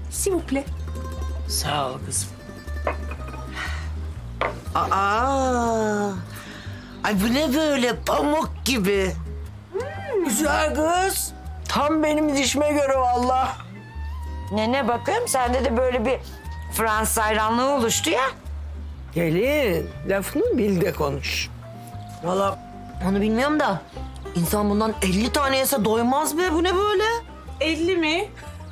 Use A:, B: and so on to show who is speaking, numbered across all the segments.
A: s'il vous plaît.
B: Sağ ol kızım.
C: Aa! Ay bu ne böyle pamuk gibi.
B: Güzel kız. Tam benim dişime göre vallahi.
D: Ne bakayım sende de böyle bir Fransız hayranlığı oluştu ya.
B: Gelin lafını bil de konuş.
C: Vallahi onu bilmiyorum da insan bundan 50 tane yese doymaz be. Bu ne böyle?
A: 50 mi?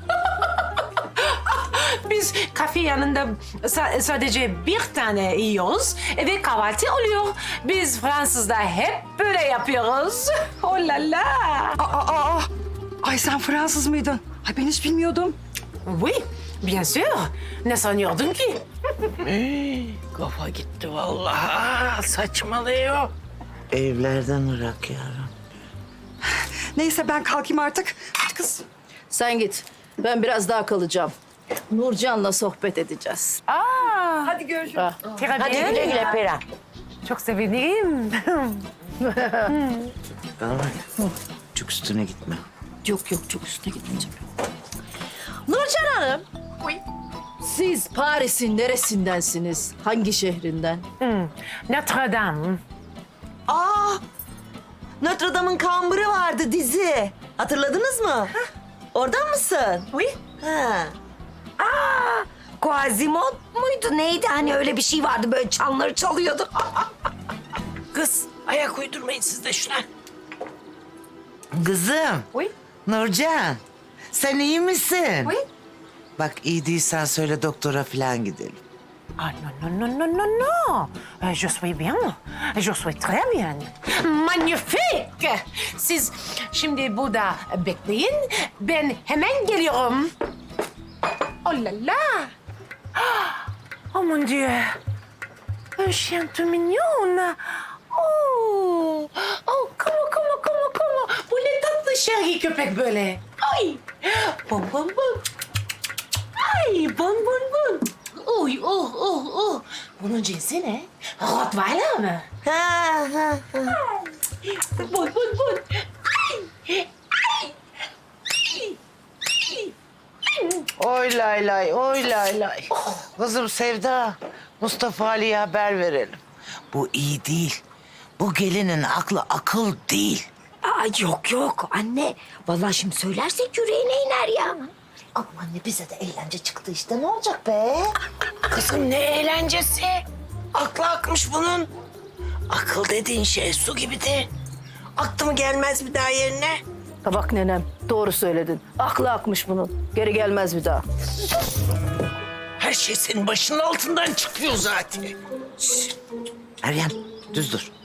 A: Biz kafe yanında sadece bir tane yiyoruz ve kahvaltı oluyor. Biz Fransızlar hep böyle yapıyoruz. Oh la la.
E: Ay sen Fransız mıydın? Ay ben hiç bilmiyordum.
A: Oui, bien sûr. Ne sanıyordun ki?
B: Kafa gitti vallahi. Saçmalıyor.
C: Evlerden ırak yavrum.
E: Neyse ben kalkayım artık. Hadi kız.
F: Sen git. Ben biraz daha kalacağım. Nurcan'la sohbet edeceğiz.
E: Hadi görüşürüz.
A: Très
D: Hadi
A: bien.
D: güle güle Perihan.
A: Çok sevinirim.
C: Bana bak. Çok üstüne gitme.
F: Yok çok üstüne gitmeyeceğim. Nurcan Hanım. Siz Paris'in neresindensiniz? Hangi şehrinden?
A: Notre Dame.
C: Aa! Notre Dame'ın kambırı vardı dizi. Hatırladınız mı? Oradan mısın?
A: Oui.
C: Ha.
D: Quasimodo muydu neydi hani öyle bir şey vardı böyle çanları çalıyordu.
B: Kız ayak uydurmayın siz de şuna.
C: Kızım.
A: Oui.
C: Nurcan. Sen iyi misin?
A: Oui.
C: Bak iyi değilsen söyle doktora falan gidelim.
A: Ah non, non, non, non, non, non. Je suis bien. Je suis très bien. Magnifique. Siz şimdi burada bekleyin. Ben hemen geliyorum. Oh la la. Oh mon Dieu. Un chien tout mignon. Oh. Oh, comment. Bu ne tatlı şerhi köpek böyle. Ay. Bom, bom, bom. Ay, bon. Uy, oh. Bunun cinsi ne? Rottweiler mı?
C: Ha.
A: Bon. Ay.
C: Oy lay, oy lay. Kızım Sevda, Mustafa Ali'ye haber verelim. Bu iyi değil. Bu gelinin aklı akıl değil.
D: Aa, yok anne. Vallahi şimdi söylersek yüreğine iner ya.
C: Aman anne bize de eğlence çıktı işte ne olacak be?
B: Kızım ne eğlencesi. Aklı akmış bunun. Akıl dediğin şey su gibidir. Aktı mı gelmez bir daha yerine.
F: Ha bak nenem, doğru söyledin. Aklı akmış bunun. Geri gelmez bir daha.
B: Her şey senin başının altından çıkıyor zaten.
C: Meryem düz dur.